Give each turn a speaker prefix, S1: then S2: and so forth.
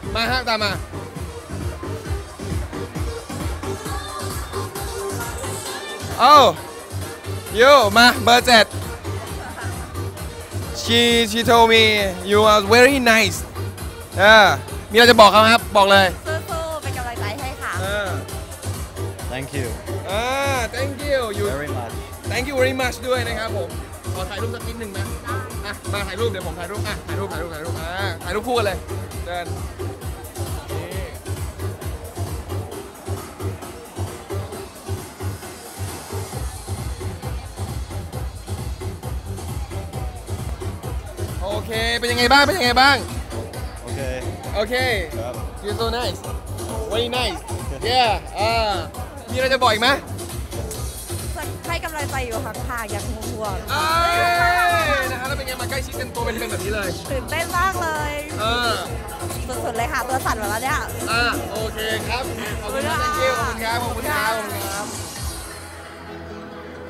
S1: มาฮะตามมาโอ้ยูมาเบอร์7 she told me you are very nice มีอะไรจะบอกเขาครับบอกเลย
S2: สู้ๆเป็นกำลังใจให้ค่ะ
S3: Thank you
S1: thank you
S3: very much
S1: thank you very much ด้วยนะครับผมขอถ่ายรูปสักนิดหนึ่งนะมาถ่ายรูปเดี๋ยวผมถ่ายรูปถ่ายรูปคู่กันเลยเดินโอเคเป็นยังไงบ้าง
S3: โอเคครับ
S1: you're so nice very nice yeah มีอะไรจะบอกอีกไหม
S2: ให้กำลังใจอยู่ห่างๆอย่างห่วง
S1: นะฮะแล้วเป็นไงมาใกล้ชิดกันตัวเป็นแบบนี้เลย
S2: ตื่นเต้นมากเลยสุดๆเลยค่ะตัวสั่นหมดแล้วเนี่ย
S1: โอเคครับขอบคุณครับ thank you ขอบคุณครับ